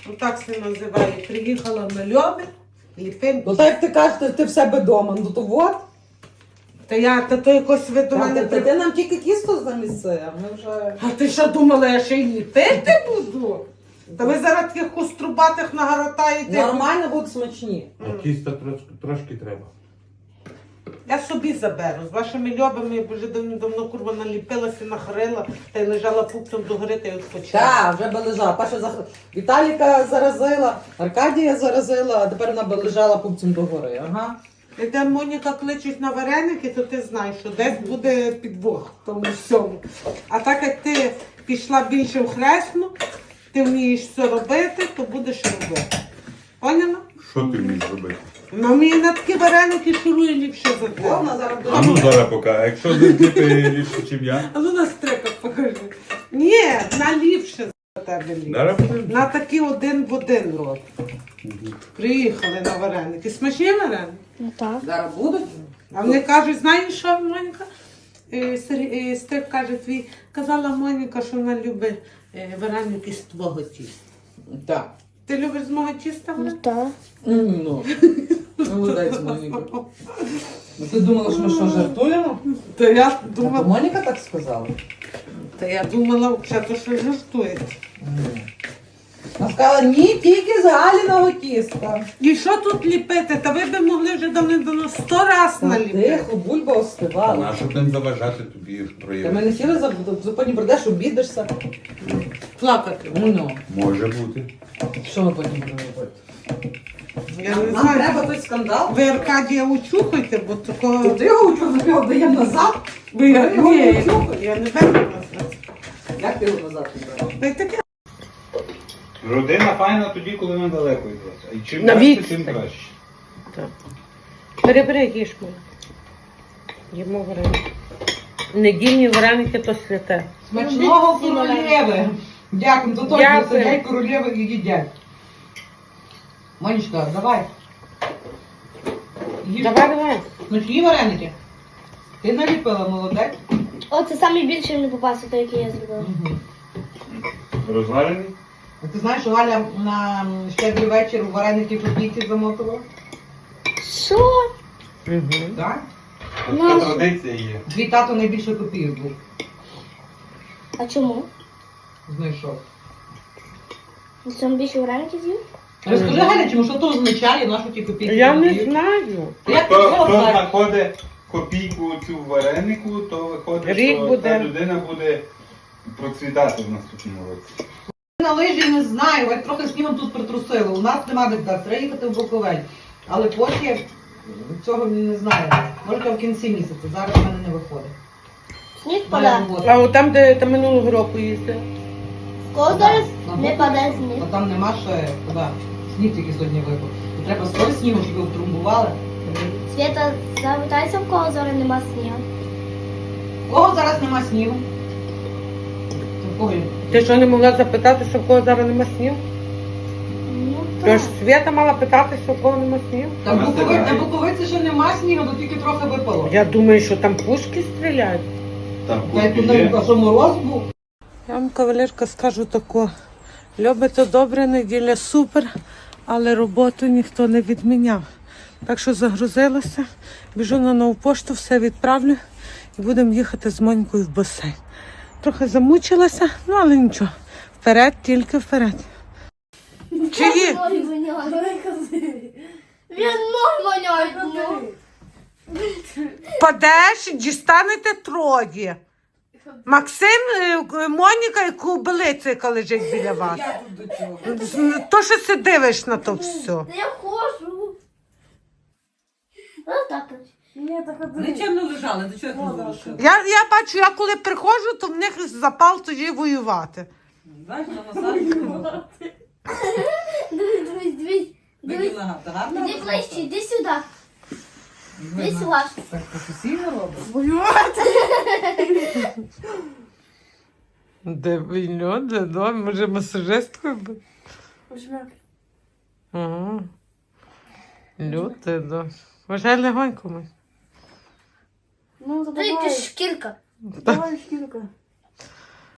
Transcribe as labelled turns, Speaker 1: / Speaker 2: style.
Speaker 1: Отак се називає. Приїхала на Льоби, ліпим.
Speaker 2: Ну так як ти кажеш, ти в себе вдома, ну то от.
Speaker 1: Та то якось ви до мене...
Speaker 2: Ти нам тільки кісту заміси, а ми вже...
Speaker 1: А ти що думала, я ще й ліпити буду? Та ви зараз таких кострубатих нагортаєте.
Speaker 2: Нормально будуть смачні.
Speaker 3: А тіста трошки треба.
Speaker 1: Я собі заберу. З вашими льобами я вже давно курва наліпилася, нахрила, та й лежала пупцем догори, та й відпочила.
Speaker 2: Так, вже би лежала. Перша Віталіка заразила, Аркадія заразила, а тепер вона би лежала пупцем догори. Ага.
Speaker 1: І де Моніка кличуть на вареники, то ти знаєш, що десь буде підвох в тому всьому. А так як ти пішла більше в хресну, ти вмієш все робити, то будеш робити. Поняла?
Speaker 3: Що ти вмієш робити?
Speaker 1: Ну, мені на такі вареники шурує ліпше за тебе.
Speaker 2: Вона зараз
Speaker 3: А ну зараз поки. А якщо ти ліпше, ніж я?
Speaker 1: А ну на стриках покажи. Ні, на ліпше за тебе ліпше.
Speaker 3: Зараз подивимось.
Speaker 1: На такі один в один рот. Приїхали на вареники. Смачні вареники?
Speaker 4: Ну так.
Speaker 2: Зараз будуть.
Speaker 1: А вони кажуть, знаєш що, Моніка? Стрик каже, казала Моніка, що вона любить вареники з твого тіста.
Speaker 2: Так.
Speaker 1: Ти любиш з мого тіста?
Speaker 4: Ну
Speaker 1: Вареники?
Speaker 4: так.
Speaker 2: Ну, молодець, Моніка. Ну ти думала, що ми що, жартуємо?
Speaker 1: Та я
Speaker 2: А то
Speaker 1: думала,
Speaker 2: Моніка так сказала.
Speaker 1: що жартується.
Speaker 2: Вона сказала, ні, тільки з Галіного тіста.
Speaker 1: І що тут ліпити? Та ви б могли вже давно 100 раз
Speaker 2: Та
Speaker 1: наліпити.
Speaker 2: тихо, бульба остивала.
Speaker 3: А щоб не заважати тобі
Speaker 2: Та ми
Speaker 3: проявити?
Speaker 2: не сіли, потім прийдеш, обідешся.
Speaker 1: Плакати.
Speaker 2: Ну,
Speaker 3: Може бути.
Speaker 2: що ми потім будемо робити?
Speaker 1: Я не
Speaker 2: Нам
Speaker 1: знаю.
Speaker 2: треба той скандал.
Speaker 1: Ви Аркадія учухайте, бо такого...
Speaker 2: Ти його учу, ми його даємо назад.
Speaker 1: Ви
Speaker 2: його не
Speaker 1: Ні,
Speaker 2: учухай.
Speaker 1: я не беру вас.
Speaker 2: Як ти його назад відбереш?
Speaker 1: Та й таке.
Speaker 3: Родина файна тоді, коли ми далеко від вас. І чим
Speaker 1: На
Speaker 3: далі,
Speaker 1: відстані.
Speaker 3: тим краще.
Speaker 1: Бери, їж мене. Їмо вареники. Недільні вареники то святе.
Speaker 2: Смачного королєви. Дякую, то точно
Speaker 1: Дякую.
Speaker 2: сидять королєви і їдять. Монечка, давай. Їж.
Speaker 1: Давай.
Speaker 2: Смачні вареники. Ти наліпила, молодець.
Speaker 4: О, це найбільше мені попався, той, який я зробила.
Speaker 3: Розварений?
Speaker 2: А ти знаєш, що Галя на щедрий вечір у вареники копійки замотувала?
Speaker 4: Що?
Speaker 2: Так?
Speaker 3: Така традиція є.
Speaker 2: Твій тато найбільше копійок був.
Speaker 4: А чому?
Speaker 2: Знайшов.
Speaker 4: На цьому більше вареників з'їв?
Speaker 2: Розкажи, Галя, чому що то означає, нашу ті копійки?
Speaker 1: Я не
Speaker 2: копійок?
Speaker 1: знаю.
Speaker 2: Як ти
Speaker 3: Хто
Speaker 2: цього знаєш?
Speaker 3: знаходить копійку цю в варенику, то виходить,
Speaker 1: Рік
Speaker 3: що
Speaker 1: буде.
Speaker 3: та людина буде процвітати в наступному році.
Speaker 2: На лижі не знаю, як трохи снігом тут притрусило. У нас нема де вдати, треба їхати в Буковель. Але поки цього не знаю. Може то в кінці місяця, зараз в мене не виходить.
Speaker 4: Сніг
Speaker 2: Моя
Speaker 4: падає.
Speaker 2: робота.
Speaker 1: А от там, де ти минулого року їздив?
Speaker 4: В кого зараз
Speaker 2: На
Speaker 4: не
Speaker 2: Буковель.
Speaker 4: падає сніг?
Speaker 2: А там нема ще туди. Сніг тільки сьогодні випав. І треба скоро снігу, щоб його втрумбували.
Speaker 4: Свята, запитайся, в кого зараз нема снігу.
Speaker 2: У кого зараз нема снігу? У кого?
Speaker 1: Ти що не могла запитатися, в кого зараз нема снігу?
Speaker 4: Ну
Speaker 1: Тож
Speaker 4: так.
Speaker 1: Свята мала питатися, в кого нема снігу?
Speaker 2: Там
Speaker 3: Нас
Speaker 2: Буковиці,
Speaker 3: немає.
Speaker 2: на Буковиці ще нема снігу, то тільки трохи випало.
Speaker 1: Я думаю, що там пушки стріляють.
Speaker 3: Там
Speaker 2: Та й
Speaker 3: купі
Speaker 2: туди,
Speaker 3: є.
Speaker 2: а що мороз був?
Speaker 1: Я вам, кавалерка, скажу тако. Любите добре, неділя супер, але роботу ніхто не відміняв. Так що загрузилася, біжу на нову пошту, все відправлю і будемо їхати з Монькою в басейн. Трохи замучилася, ну але нічого. Вперед, тільки вперед. Чиї?
Speaker 4: Ноги воняють. Він ноги воняють. ну.
Speaker 1: Падеш, дістанете троє. Максим, Моніка і Кубилиця, яка лежить біля вас.
Speaker 2: Я тут до чого?
Speaker 1: То, що ти дивиш на то все.
Speaker 4: Та я хожу. Ну так.
Speaker 2: Вони чим не лежали, до чого їх не залишили?
Speaker 1: Я бачу, я коли приходжу, то в них запал тоді воювати.
Speaker 2: Знаєш, на масажі
Speaker 4: Дивись.
Speaker 2: Видів нога, та гарно?
Speaker 4: Іди ближче, іди сюди. Іди
Speaker 2: Видно.
Speaker 4: сюди.
Speaker 2: Так професійно робить.
Speaker 1: Воювати? Де вільно, де дом, може масажисткою буде? Ага. Люте, да. Може легонько ми.
Speaker 4: Ну, давай. Ти шкірка.
Speaker 1: Давай, шкірка.